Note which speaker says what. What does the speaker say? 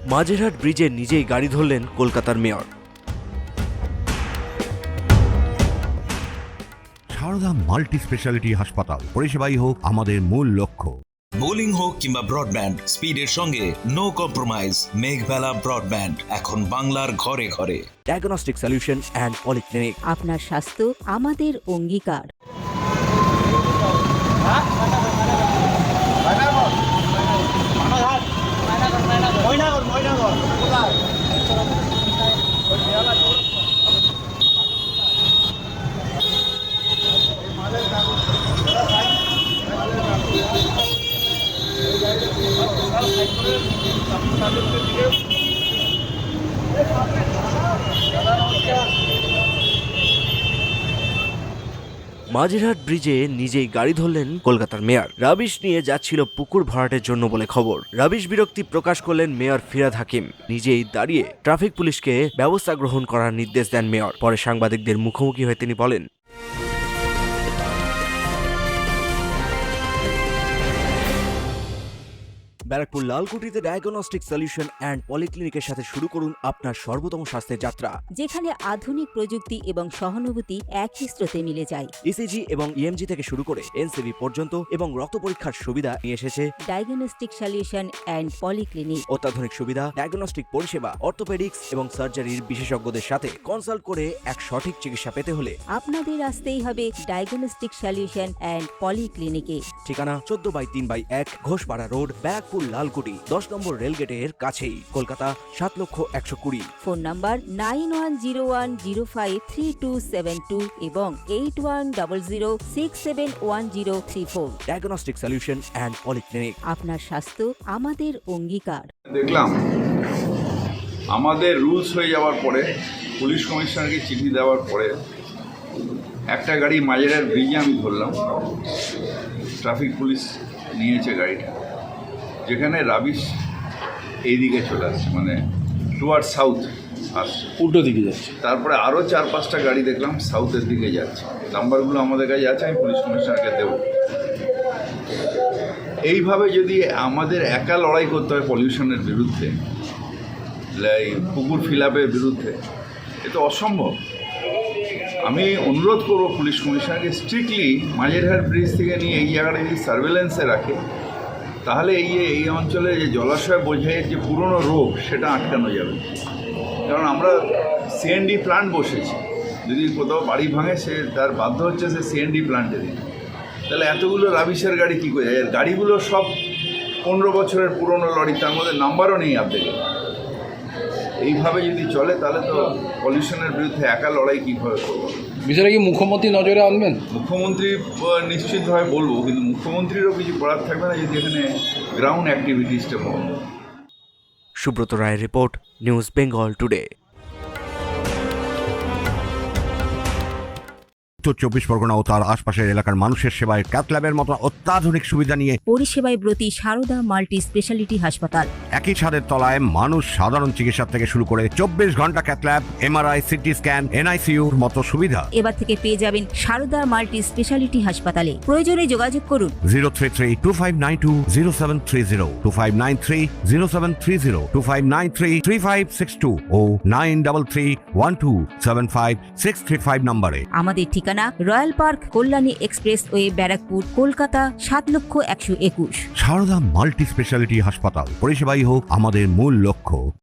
Speaker 1: মাঝেরহাট ব্রিজে নিজেই গাড়ি ধরলেন কলকাতার মেয়র।
Speaker 2: সারদা মাল্টি স্পেশালিটি হাসপাতাল, পরিষেবাই হোক আমাদের মূল লক্ষ্য।
Speaker 3: বোলিং হোক কিংবা ব্রডব্যান্ড, স্পিডের সঙ্গে নো কম্প্রোমাইজ। মেঘবেলা ব্রডব্যান্ড এখন বাংলার ঘরে ঘরে।
Speaker 1: Diagnostic solution and polyclinic.
Speaker 4: আপনার স্বাস্থ্য আমাদের অঙ্গীকার।
Speaker 1: মাঝেরহাট ব্রিজে নিজেই গাড়ি ধরলেন কলকাতার মেয়র। রাবিশ নিয়ে যাচ্ছিল পুকুর ভরাটের জন্য বলে খবর। রাবিশ বিরক্তি প্রকাশ করলেন মেয়র ফিরহাদ হাকিম। নিজেই দাঁড়িয়ে ট্রাফিক পুলিশকে ব্যবস্থা গ্রহণ করার নির্দেশ দেন মেয়র। পরে সাংবাদিকদের মুখোমুখি হয়ে তিনি বলেন, ব্যারাকপুর লালকুটিতে ডায়াগনস্টিক সলিউশন অ্যান্ড পলিক্লিনিকের সাথে শুরু করুন আপনার সর্বোত্তম স্বাস্থ্যের যাত্রা,
Speaker 4: যেখানে আধুনিক প্রযুক্তি এবং সহানুভূতি একই স্রোতে মিলে যায়।
Speaker 1: ইসিজি এবং ইএমজি থেকে শুরু করে এনসিবি পর্যন্ত এবং রক্ত পরীক্ষার সুবিধা নিয়ে এসেছে
Speaker 4: ডায়াগনস্টিক সলিউশন অ্যান্ড পলিক্লিনিক।
Speaker 1: অত্যাধুনিক সুবিধা, ডায়াগনস্টিক পরিষেবা, অর্থোপেডিক্স এবং সার্জারির বিশেষজ্ঞদের সাথে কনসাল্ট করে এক সঠিক চিকিৎসা পেতে হলে
Speaker 4: আপনাদের আসতেই হবে ডায়াগনস্টিক সলিউশন অ্যান্ড পলিক্লিনিকে।
Speaker 1: ঠিকানা 14/3/1 ঘোষপাড়া রোড, ব্যারাকপুর লালকুটি, 10 নম্বর রেলগেটের কাছেই, কলকাতা 7,120,000।
Speaker 4: ফোন নাম্বার 9101053272 এবং 8100671034।
Speaker 1: Diagnostic solution and polyclinic.
Speaker 4: আপনার স্বাস্থ্য আমাদের অঙ্গীকার।
Speaker 5: দেখলাম আমাদের রুলস হয়ে যাওয়ার পরে, পুলিশ কমিশনারকে চিঠি দেওয়ার পরে একটা গাড়ি মাঝেরহাট ব্রিজে আমি ধরলাম। ট্রাফিক পুলিশ নিয়েছে গাড়িটা, যেখানে রাবিশ এইদিকে চলে আসছে, মানে টুয়ার্ড সাউথ আসছে,
Speaker 6: উল্টো দিকে যাচ্ছে।
Speaker 5: তারপরে আরও 4-5টা গাড়ি দেখলাম সাউথের দিকে যাচ্ছে। নাম্বারগুলো আমাদের কাছে আছে, আমি পুলিশ কমিশনারকে দেবো। এইভাবে যদি আমাদের একা লড়াই করতে হয় পলিউশনের বিরুদ্ধে, এই পুকুর ফিলাপের বিরুদ্ধে, এ তো অসম্ভব। আমি অনুরোধ করব পুলিশ কমিশনারকে স্ট্রিক্টলি মাঝেরহাট ব্রিজ থেকে নিয়ে এই জায়গাটা যদি সার্ভেলেন্সে রাখে, তাহলে এই অঞ্চলে যে জলাশয় বোঝাইয়ের যে পুরনো রোগ, সেটা আটকানো যাবে। কারণ আমরা সিএনডি প্ল্যান্ট বসেছি, যদি কোথাও বাড়ি ভাঙে সে তার বাধ্য হচ্ছে সে সিএনডি প্ল্যান্টে দিতে। তাহলে এতগুলো রাবিশের গাড়ি কী করে যায়? গাড়িগুলো সব 15 বছরের পুরনো লরি, তার মধ্যে নাম্বারও নেই আপনাদের। এইভাবে যদি চলে তাহলে তো পলিউশনের বিরুদ্ধে একা লড়াই কীভাবে করবো?
Speaker 6: বিষয়টা কি মুখ্যমন্ত্রী নজরে আনবেন?
Speaker 5: মুখ্যমন্ত্রী নিশ্চিতভাবে বলবো, কিন্তু মুখ্যমন্ত্রীরও কিছু করার থাকবে না যদি এখানে গ্রাউন্ড অ্যাক্টিভিটিসটা বন্ধ।
Speaker 1: সুব্রত রায়ের রিপোর্ট, নিউজ বেঙ্গল টুডে।
Speaker 2: উত্তর 24 পরগনা ও তার আশপাশের এলাকার মানুষের সেবায় ক্যাথ ল্যাবের মতো অত্যাধুনিক সুবিধা নিয়ে
Speaker 4: পরিষেবায় ব্রতী সারদা মাল্টি স্পেশালিটি হাসপাতাল।
Speaker 2: একই ছাদের তলায় মানুষ সাধারণ চিকিৎসা থেকে শুরু করে 24 ঘন্টা cath lab, MRI, CT scan, এনআইসিইউর মতো সুবিধা
Speaker 4: এবার থেকে পেয়ে যাবেন সারদা মাল্টি স্পেশালিটি হাসপাতালে। প্রয়োজনে যোগাযোগ করুন
Speaker 2: 033-2592-0730, 2593-0730, 2593-3562 ও 9331275635 নম্বরে।
Speaker 4: আমাদের ঠিকানা royal park, Kalyani expressway, Barrackpore, Kolkata 7,121,000।
Speaker 2: Sarada multi speciality হাসপাতাল, পরিষেবাই হোক আমাদের মূল লক্ষ্য।